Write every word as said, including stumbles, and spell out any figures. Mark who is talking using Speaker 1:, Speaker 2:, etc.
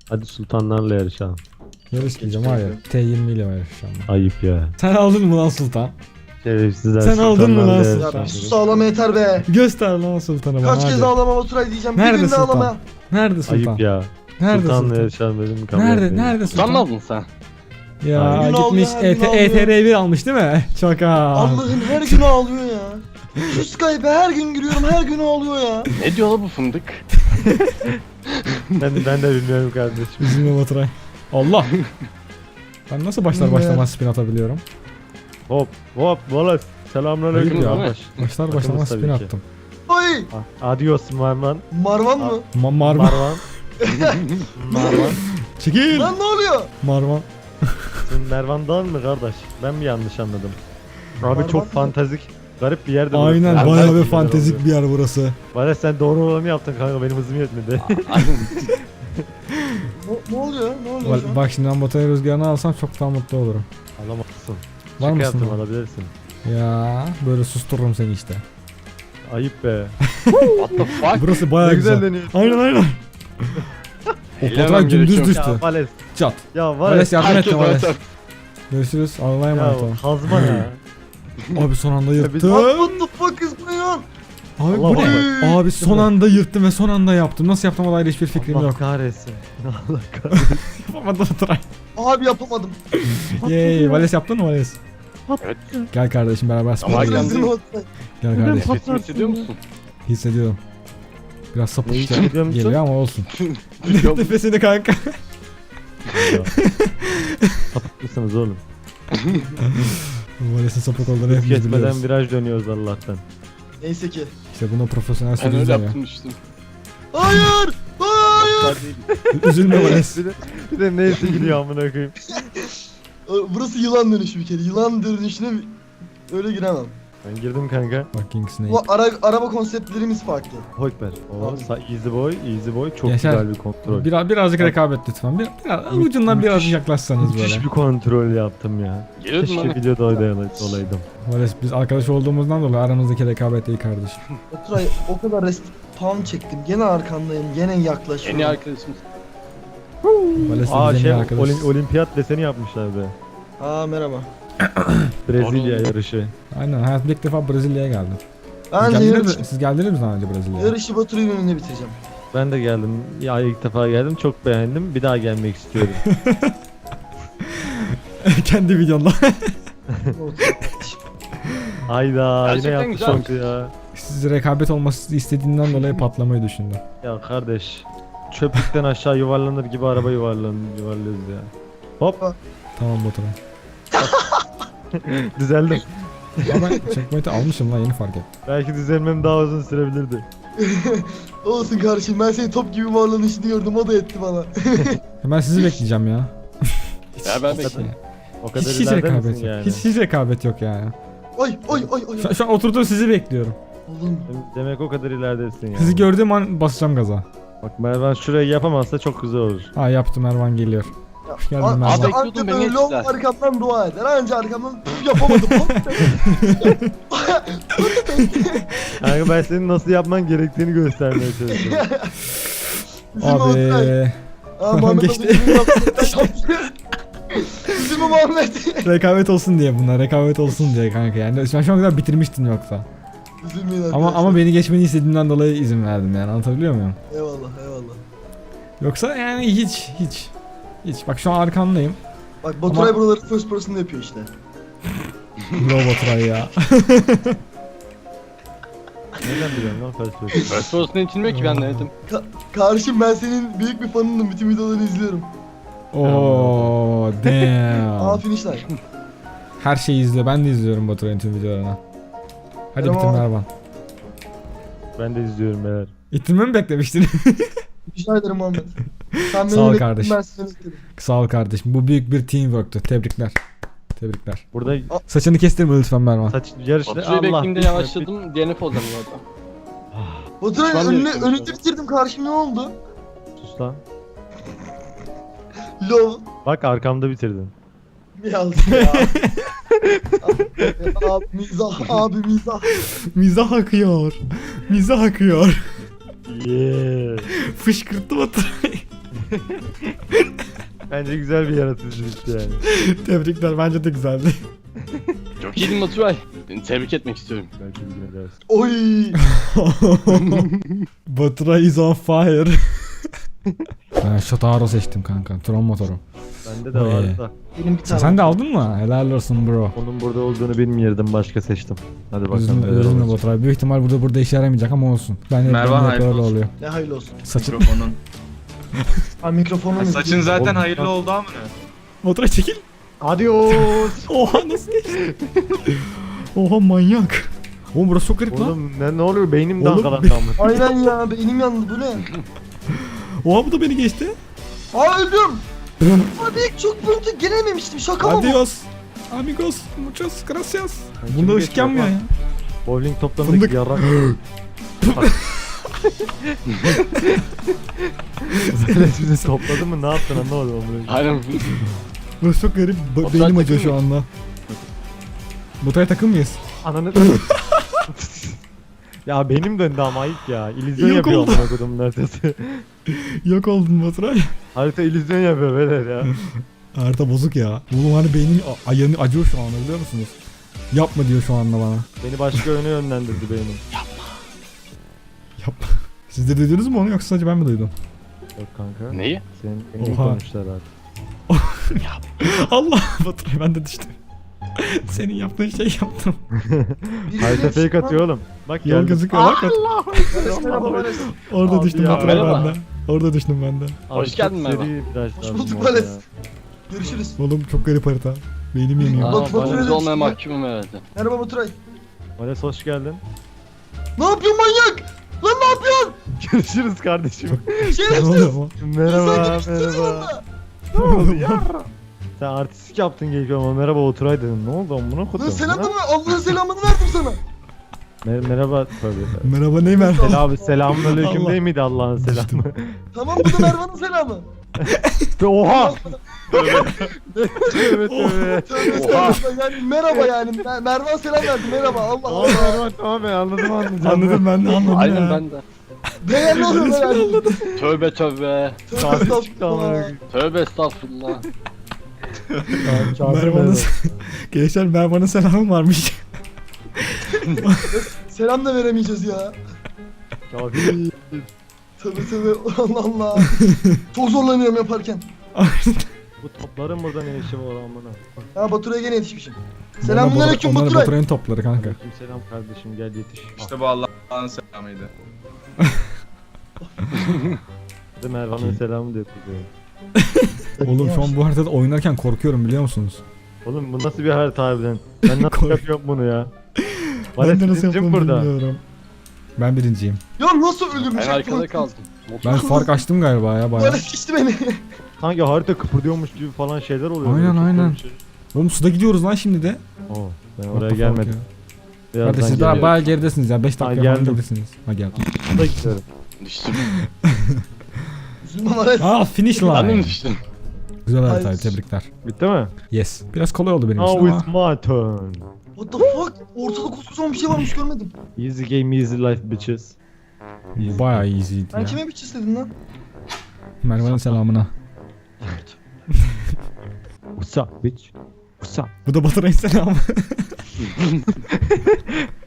Speaker 1: Hadi sultanlarla yarışalım.
Speaker 2: Yarışmayacağım hayır. T yirmi ile yarışacağım ben.
Speaker 1: Ayıp ya.
Speaker 2: Sen aldın mı lan sultan?
Speaker 1: Şerefsizler
Speaker 2: Sen aldın mı lan
Speaker 1: sultanlarla
Speaker 2: sultan?
Speaker 3: Ya
Speaker 1: yarışalım.
Speaker 3: bir sus ağlama yeter be.
Speaker 2: Göster lan sultanı bana
Speaker 3: Kaç
Speaker 2: hadi.
Speaker 3: kez ağlama Baturay diyeceğim.
Speaker 2: Nerede
Speaker 3: bir günde
Speaker 2: sultan?
Speaker 3: ağlama.
Speaker 2: Nerede sultan?
Speaker 1: Ayıp ya.
Speaker 2: Nerede
Speaker 1: Sultanla
Speaker 2: sultan?
Speaker 1: yarışalım dedim kabul
Speaker 2: Nerede?
Speaker 1: etmedi.
Speaker 2: Nerede sultan?
Speaker 4: Utanmadın sen.
Speaker 2: Ya
Speaker 1: Aynen.
Speaker 3: Gün
Speaker 2: gitmiş
Speaker 3: ağlıyor, her gün
Speaker 2: E T R bir
Speaker 3: ağlıyor.
Speaker 2: almış değil mi? Şaka.
Speaker 3: Allah'ım her gün ağlıyor ya. Şu Skype'e her gün giriyorum her gün ağlıyor ya.
Speaker 4: Ne diyor la bu fındık?
Speaker 1: Ben, ben de bilmiyorum kardeşim.
Speaker 2: Üzülme Baturay. Allah. Ben nasıl başlar başlamaz spin atabiliyorum?
Speaker 1: Hop hop Wallace. Selamünaleyküm
Speaker 2: Hayır ya.
Speaker 1: kardeş.
Speaker 2: Başlar başlamaz
Speaker 1: Bakımız
Speaker 2: spin
Speaker 1: tabii ki.
Speaker 2: attım.
Speaker 3: Oy.
Speaker 1: Ah, Adios Marman.
Speaker 3: Marvan mı?
Speaker 2: Ma Marvan.
Speaker 1: Marvan. Marvan.
Speaker 2: Çekil.
Speaker 3: Lan ne oluyor?
Speaker 2: Marvan.
Speaker 1: Sen Mervan'dan mı kardeş? Ben mi yanlış anladım? Abi
Speaker 3: Marvan
Speaker 1: çok
Speaker 3: mı?
Speaker 1: fantastik. Garip bir yerde
Speaker 2: Aynen
Speaker 1: burası.
Speaker 2: bayağı bir
Speaker 1: Güzel
Speaker 2: fantezik
Speaker 1: oluyor.
Speaker 2: bir yer burası.
Speaker 1: Bana sen doğru olanı yaptın kanka, benim hızım yetmedi.
Speaker 3: Ne, ne oluyor? Ne oluyor şu
Speaker 2: Bak,
Speaker 3: an?
Speaker 2: bak şimdi ben Baturay rüzgarını alsam çok daha mutlu olurum.
Speaker 1: Alamazsın.
Speaker 2: Var
Speaker 1: Şaka
Speaker 2: mısın?
Speaker 1: yaptım,
Speaker 2: lan?
Speaker 1: alabilirsin.
Speaker 2: Ya böyle sustururum seni işte.
Speaker 1: Ayıp be.
Speaker 4: What the fuck?
Speaker 2: Burası bayağı
Speaker 1: Ne
Speaker 2: güzel.
Speaker 1: güzel dönüyor.
Speaker 2: Aynen aynen. O
Speaker 4: Eğlenemem
Speaker 2: Baturay dümdüz
Speaker 4: gerekiyor.
Speaker 2: düştü.
Speaker 1: Ya Vales.
Speaker 2: Çat.
Speaker 1: Ya
Speaker 2: Vales
Speaker 1: Vales.
Speaker 2: yardım
Speaker 4: Herkes
Speaker 2: etme Vales.
Speaker 4: zaten.
Speaker 2: Görüşürüz. Allah'a
Speaker 1: Ya
Speaker 2: emanet olun.
Speaker 1: kazma ya.
Speaker 2: Abi son anda
Speaker 1: biz-
Speaker 2: yırttım.
Speaker 3: What the fuck is going on?
Speaker 2: Abi
Speaker 1: Allah
Speaker 2: bu ne?
Speaker 3: Allah.
Speaker 2: Abi son anda yırttım ve son anda yaptım. Nasıl yaptım olayla hiçbir fikrim
Speaker 1: Allah
Speaker 2: yok.
Speaker 1: kahretsin. Allah kahretsin.
Speaker 2: Yapamadım Baturay.
Speaker 3: Abi yapamadım.
Speaker 2: Yey Vales yaptın mı Vales?
Speaker 4: Evet.
Speaker 2: Gel kardeşim beraber
Speaker 4: Ama
Speaker 2: spora gidelim.
Speaker 4: geldi.
Speaker 3: Rezil Baturay.
Speaker 2: Gel kardeşim.
Speaker 4: Sesimi hissediyor musun?
Speaker 2: Hissediyorum. Biraz sapık
Speaker 1: Ne
Speaker 2: işte
Speaker 1: hissediyor musun?
Speaker 2: geliyor ama olsun.
Speaker 4: Yok.
Speaker 2: Nefesini kanka.
Speaker 1: Ya. Sapık mısınız oğlum?
Speaker 2: Vales'in sapık olduğunu
Speaker 1: Biz
Speaker 2: hepimiz
Speaker 1: geçmeden
Speaker 2: biliyoruz.
Speaker 1: viraj dönüyoruz Allah'tan.
Speaker 3: Neyse ki.
Speaker 2: İşte buna profesyonel
Speaker 4: Ben öyle
Speaker 2: sürücüler ya.
Speaker 4: yaptım işte.
Speaker 3: Hayır! Hayır!
Speaker 2: Üzülme Vales.
Speaker 1: Bir de, bir de neyse gidiyor amına koyayım.
Speaker 3: Burası yılan dönüşü bir kere. Yılan dönüşüne öyle giremem.
Speaker 1: Ben girdim kanka.
Speaker 2: Fucking snake.
Speaker 3: Bu ara, araba konseptlerimiz farklı.
Speaker 1: Hoyper. O
Speaker 3: Abi.
Speaker 1: sa- easy boy, easy boy çok
Speaker 2: Yaşar.
Speaker 1: güzel bir kontrol.
Speaker 2: Biraz, birazcık rekabet lütfen. Bir, biraz, ucundan
Speaker 1: müthiş-
Speaker 2: birazcık yaklaşsanız
Speaker 1: Müthiş
Speaker 2: böyle.
Speaker 1: bir kontrol yaptım ya.
Speaker 4: Geliyordun
Speaker 1: Keşke
Speaker 4: lan.
Speaker 1: videoda olaydı- olaydım.
Speaker 2: Vales biz arkadaş olduğumuzdan dolayı aramızdaki rekabet iyi kardeşim.
Speaker 3: Baturay o kadar respawn çektim. Gene arkandayım. Gene yaklaşıyorum.
Speaker 4: Yeni arkadaşımız.
Speaker 2: Vales de
Speaker 1: Aa
Speaker 2: bizim
Speaker 1: şey
Speaker 2: en iyi arkadaşız.
Speaker 1: olim- olimpiyat deseni yapmışlar be.
Speaker 3: Aa merhaba.
Speaker 1: Brezilya
Speaker 4: Doğru.
Speaker 1: yarışı.
Speaker 2: Aynen hayatımda ilk defa Brezilya'ya geldim.
Speaker 3: Ben
Speaker 2: Siz
Speaker 3: de
Speaker 2: geldiniz,
Speaker 3: yarış,
Speaker 2: mi, siz geldiniz mi daha önce Brezilya'ya?
Speaker 3: yarışı Baturay'ın önünde bitireceğim.
Speaker 1: Ben de geldim. Ya ilk defa geldim. Çok beğendim. Bir daha gelmek istiyorum.
Speaker 2: Kendi videonda.
Speaker 1: Hayda yine
Speaker 4: Gerçekten
Speaker 1: yaptı
Speaker 4: güzelmiş.
Speaker 1: çok ya.
Speaker 2: Siz rekabet olması istediğinden dolayı patlamayı düşündüm.
Speaker 1: Ya kardeş. Çöplükten aşağı yuvarlanır gibi araba yuvarlan yuvarlıyoruz ya. Hop
Speaker 2: Tamam Baturay.
Speaker 1: düzeldim.
Speaker 2: Ama ben checkpoint'i almışım lan yeni fark ettim.
Speaker 1: Belki düzelmem daha uzun sürebilirdi.
Speaker 3: Olsun kardeşim ben senin top gibi varlanışını gördüm o da etti bana.
Speaker 2: Ben sizi bekleyeceğim ya.
Speaker 4: Ya ben
Speaker 1: O kadar-
Speaker 4: bekliyorum.
Speaker 1: O kadar
Speaker 2: Hiç, hiç
Speaker 1: ileride
Speaker 2: rekabet
Speaker 1: misin
Speaker 2: yok.
Speaker 1: yani?
Speaker 2: Hiç, hiç rekabet yok yani.
Speaker 3: Ay ay ay ay.
Speaker 2: Şu, şu an oturduğum sizi bekliyorum.
Speaker 3: Oğlum
Speaker 1: Demek o kadar ileridesin yani.
Speaker 2: Sizi gördüğüm an basacağım gaza.
Speaker 1: Bak Mervan şurayı yapamazsa çok güzel olur.
Speaker 2: Ha yaptım Ervan geliyor.
Speaker 3: ya,
Speaker 2: Hoş geldin
Speaker 3: an-
Speaker 2: Mervan.
Speaker 3: işte
Speaker 4: Bekliyordum,
Speaker 3: anca
Speaker 4: beni
Speaker 3: böyle ol
Speaker 4: ettiler.
Speaker 3: arkamdan dua eder. Anca arkamdan püf, yapamadım.
Speaker 1: Kanka ben senin nasıl yapman gerektiğini göstermeye çalışıyorum.
Speaker 3: Üzülme Baturay.
Speaker 2: Abi
Speaker 3: Aa Muhammed
Speaker 2: geçti.
Speaker 3: abi üzülme yaptı. Üzülme Muhammed.
Speaker 2: rekabet olsun diye bunlar rekabet olsun diye kanka yani ben şu an kadar bitirmiştim yoksa.
Speaker 3: Üzülmeyin
Speaker 2: Ama
Speaker 3: arkadaşlar.
Speaker 2: ama beni geçmeni istediğimden dolayı izin verdim yani anlatabiliyor muyum?
Speaker 3: Eyvallah eyvallah.
Speaker 2: Yoksa yani hiç hiç hiç bak şu an arkandayım.
Speaker 3: Bak Baturay
Speaker 2: Ama-
Speaker 3: buraları first person'da yapıyor işte.
Speaker 2: Bro Baturay ya.
Speaker 1: Neden biliyorsun lan felsefe?
Speaker 4: First person'a içilmiyor ki ben denedim.
Speaker 3: Ka- kardeşim ben senin büyük bir fanınım. Bütün videolarını izliyorum.
Speaker 2: Oo
Speaker 3: Aa
Speaker 2: damn.
Speaker 3: finish line.
Speaker 2: Her şeyi izliyor. Ben de izliyorum Baturay'ın tüm videolarını. Hadi
Speaker 3: Tamam.
Speaker 2: bitirme Ervan.
Speaker 1: Ben de izliyorum beyler.
Speaker 2: İttirme mi beklemiştin?
Speaker 3: Rica ederim Muhammed. Sen beni
Speaker 2: Sağ ol
Speaker 3: bekledin,
Speaker 2: kardeşim.
Speaker 3: ben seni bekledim.
Speaker 2: Sağ ol kardeşim. Bu büyük bir teamwork'tü. Tebrikler. Tebrikler.
Speaker 1: Burada
Speaker 2: Saçını kestirme lütfen Mervan.
Speaker 1: saç yarışta
Speaker 4: Baturay'ı bekleyince yavaşladım. D N F olacağım zaten.
Speaker 3: Baturay
Speaker 4: Şu an
Speaker 3: önüne,
Speaker 4: yarışıyorum
Speaker 3: önünde bitirdim karşım ne oldu?
Speaker 1: Sus lan.
Speaker 3: Lol.
Speaker 1: Bak arkamda bitirdin.
Speaker 3: Biraz ya. abi mizah, abi mizah.
Speaker 2: Mizah akıyor. Mizah akıyor.
Speaker 1: Yeah.
Speaker 2: Fışkırttı Baturay.
Speaker 1: Bence güzel bir yaratıcılıktı yani.
Speaker 2: Tebrikler, bence de güzeldi.
Speaker 4: Çok iyiydin Baturay. Seni tebrik etmek istiyorum.
Speaker 1: Belki bir gün edersin.
Speaker 3: Oy.
Speaker 2: Batura is on fire. Ben Shotaro seçtim kanka. Tron motoru.
Speaker 1: Bende de
Speaker 2: Oy.
Speaker 1: vardı da.
Speaker 3: Benim bir
Speaker 2: Sen,
Speaker 3: tane.
Speaker 2: sen de aldın mı? Helal olsun bro.
Speaker 1: Onun burada olduğunu bilmiyordum, başka seçtim. Hadi bakalım.
Speaker 2: Üzülme,
Speaker 1: neler
Speaker 2: üzülme
Speaker 1: olacak.
Speaker 2: Baturay. Büyük ihtimal burada burada işe yaramayacak ama olsun. Ben de
Speaker 5: Merve,
Speaker 2: ben de hep
Speaker 5: hayırlı
Speaker 2: öyle
Speaker 5: olsun.
Speaker 2: oluyor.
Speaker 3: Ne hayırlı olsun.
Speaker 2: Saçın.
Speaker 5: Mikrofonun.
Speaker 3: Ha mikrofonu mu?
Speaker 5: Saçın zaten
Speaker 1: Oğlum,
Speaker 5: hayırlı
Speaker 1: bak-
Speaker 5: oldu ama ne?
Speaker 2: Baturay çekil.
Speaker 1: Adios.
Speaker 2: Oha nasıl geçti? Oha manyak. Oğlum burası çok garip lan.
Speaker 1: Oğlum ne, ne oluyor, beynim
Speaker 2: Oğlum,
Speaker 1: dangalandı ama.
Speaker 3: Aynen ya, beynim yandı, bu ne?
Speaker 2: Oha bu da beni geçti.
Speaker 3: Aa öldüm. Abi çok pöntü gelememiştim, şaka mı bu?
Speaker 2: Adios. Amigos. Muchas gracias.
Speaker 1: Kim
Speaker 2: Bunda ışık
Speaker 1: geçiyor
Speaker 2: yanmıyor
Speaker 1: lan?
Speaker 2: ya.
Speaker 1: Bowling
Speaker 2: Fındık.
Speaker 1: toplarındaki yarrak. Zelet bizi topladı mı, ne yaptın anlamadım onu.
Speaker 4: Aynen.
Speaker 2: Burası çok garip. Ba-
Speaker 4: Baturay
Speaker 2: beynim acıyor
Speaker 4: takım
Speaker 2: şu anda. Baturay takım mıyız?
Speaker 1: Ananı... Ya benim döndü ama ayıp ya. İllüzyon
Speaker 2: Yok
Speaker 1: yapıyor
Speaker 2: oldu.
Speaker 1: amına kodumun haritası.
Speaker 2: Yok oldun Baturay.
Speaker 1: Harita illüzyon yapıyor beyler ya.
Speaker 2: Harita bozuk ya. Oğlum hani beynim a- ayağını acıyor şu anda biliyor musunuz? Yapma diyor şu anda bana.
Speaker 1: Beni başka yöne yönlendirdi beynim.
Speaker 2: Yapma. Siz de duydunuz mu onu yoksa sadece ben mi duydum?
Speaker 1: Yok kanka.
Speaker 4: Neyi?
Speaker 1: Senin en iyi
Speaker 2: Oha.
Speaker 1: konuştular abi.
Speaker 2: Allah Baturay ben de düştüm. Senin yaptığın şey yaptım.
Speaker 1: Harita fake atıyor oğlum. Bak
Speaker 2: Yol
Speaker 1: geldi.
Speaker 2: gözüküyor bak.
Speaker 3: Merhaba Vales.
Speaker 2: Orada
Speaker 1: Abi
Speaker 2: düştüm
Speaker 1: ya.
Speaker 2: Baturay
Speaker 4: Merhaba.
Speaker 2: ben de. Orada düştüm ben de.
Speaker 1: Abi
Speaker 4: Hoş
Speaker 1: çok
Speaker 4: geldin merhaba.
Speaker 1: seri viraj
Speaker 3: Hoş
Speaker 1: lazım
Speaker 3: bulduk
Speaker 1: orada
Speaker 3: Vales.
Speaker 1: ya.
Speaker 3: Görüşürüz.
Speaker 2: Oğlum çok garip harita. Beynim yanıyor.
Speaker 4: Aa,
Speaker 3: Bak, Baturay
Speaker 4: Baturay
Speaker 3: da
Speaker 4: olmaya
Speaker 3: çıktı.
Speaker 4: mahkumum herhalde.
Speaker 3: Merhaba Baturay.
Speaker 1: Vales hoş geldin.
Speaker 3: Ne yapıyorsun manyak? Lan ne yapıyorsun?
Speaker 1: Görüşürüz kardeşim.
Speaker 2: Ne
Speaker 3: Şerefsiz.
Speaker 2: oluyor ama?
Speaker 1: Merhaba
Speaker 3: İnsan
Speaker 1: merhaba.
Speaker 2: Ne oluyor ya?
Speaker 1: Sen artistik yaptın geliyor ama merhaba Oturay dedin. Ne oldu amına
Speaker 3: Lan
Speaker 1: kodum?
Speaker 3: selam da mı? Allah'ın selamını verdim sana.
Speaker 1: Mer merhaba tövbe tövbe.
Speaker 2: Merhaba Neymer.
Speaker 1: Selam abi, selamun aleyküm
Speaker 2: Allah.
Speaker 1: değil miydi Allah'ın selamı?
Speaker 3: Tamam, bu da Mervan'ın selamı.
Speaker 1: Oha! Tövbe tövbe.
Speaker 3: Tövbe estağfurullah, yani merhaba yani. Mer- Mervan selam verdi, merhaba. Allah
Speaker 1: Tamam
Speaker 3: Allah.
Speaker 1: tamam tamam ben anladım anladım.
Speaker 2: Anladım ben de anladım
Speaker 4: Aynen
Speaker 2: ya.
Speaker 4: ben de.
Speaker 3: Beğen ne oluyor be yani?
Speaker 4: Tövbe tövbe.
Speaker 3: Tövbe
Speaker 1: Çarpı çıktı amına
Speaker 3: estağfurullah.
Speaker 1: koyayım.
Speaker 4: Tövbe estağfurullah.
Speaker 1: Çarpı
Speaker 2: Mervan'ın
Speaker 1: merhaba.
Speaker 2: Gençler Mervan'ın selamı varmış.
Speaker 3: Selam da veremeyeceğiz ya.
Speaker 1: Kafir.
Speaker 3: Tövbe tövbe, Allah Allah. Çok zorlanıyorum yaparken.
Speaker 1: Bu topların burada ne işi var amına?
Speaker 3: Ha, Baturay'a gene yetişmişim.
Speaker 2: Onlar
Speaker 3: Selamünaleyküm
Speaker 2: Onlar
Speaker 3: Baturay.
Speaker 2: Baturay'ın topları kanka.
Speaker 1: Selam kardeşim, gel yetiş.
Speaker 5: İşte bu Allah'ın selamıydı.
Speaker 1: Hadi Mervan'ın selamı da yapıyor.
Speaker 2: Oğlum şu an bu haritada oynarken korkuyorum biliyor musunuz?
Speaker 1: Oğlum bu nasıl bir harita harbiden? Ben nasıl
Speaker 2: Kork-
Speaker 1: yapıyorum bunu ya?
Speaker 2: Ben
Speaker 1: Vales
Speaker 2: de nasıl
Speaker 1: birincim
Speaker 2: yaptığımı
Speaker 1: burada.
Speaker 2: bilmiyorum. Ben birinciyim.
Speaker 3: Ya nasıl öldürmüş?
Speaker 4: Ben arkada kaldım.
Speaker 2: Ben fark açtım galiba ya bayağı.
Speaker 3: Böyle geçti beni.
Speaker 1: Sanki harita kıpırdıyormuş gibi falan şeyler oluyor.
Speaker 2: Aynen,
Speaker 1: Çok
Speaker 2: aynen.
Speaker 1: bir şey.
Speaker 2: Oğlum suda gidiyoruz lan şimdi de.
Speaker 1: Oo, ben
Speaker 2: What
Speaker 1: oraya
Speaker 2: the fuck
Speaker 1: gelmedim.
Speaker 2: ya?
Speaker 1: Birazdan
Speaker 2: Hadi siz daha
Speaker 1: geliyorum.
Speaker 2: bayağı geridesiniz ya. beş
Speaker 1: Ha,
Speaker 2: dakika falan
Speaker 1: geldim.
Speaker 2: geridesiniz. Ha geldim.
Speaker 1: Suda gidiyorum.
Speaker 4: Düştüm.
Speaker 3: Üzülme Vales.
Speaker 2: Aa finish
Speaker 4: Ben de
Speaker 2: line.
Speaker 4: mi düştüm?
Speaker 2: Güzel
Speaker 3: Hayır.
Speaker 2: haritaydı tebrikler.
Speaker 1: Bitti mi?
Speaker 2: Yes. Biraz kolay oldu benim için
Speaker 1: Now
Speaker 2: ama.
Speaker 1: it's my turn.
Speaker 3: What the fuck? Ortada koskocaman bir şey varmış, görmedim.
Speaker 1: Easy game, easy life bitches.
Speaker 2: Bayağı easy'ydi
Speaker 3: Ben
Speaker 2: ya.
Speaker 3: kime bir çiz dedim lan?
Speaker 2: Mervan'ın selamına.
Speaker 1: What's up bitch? What's up?
Speaker 2: Bu da Baturay'ın selamı.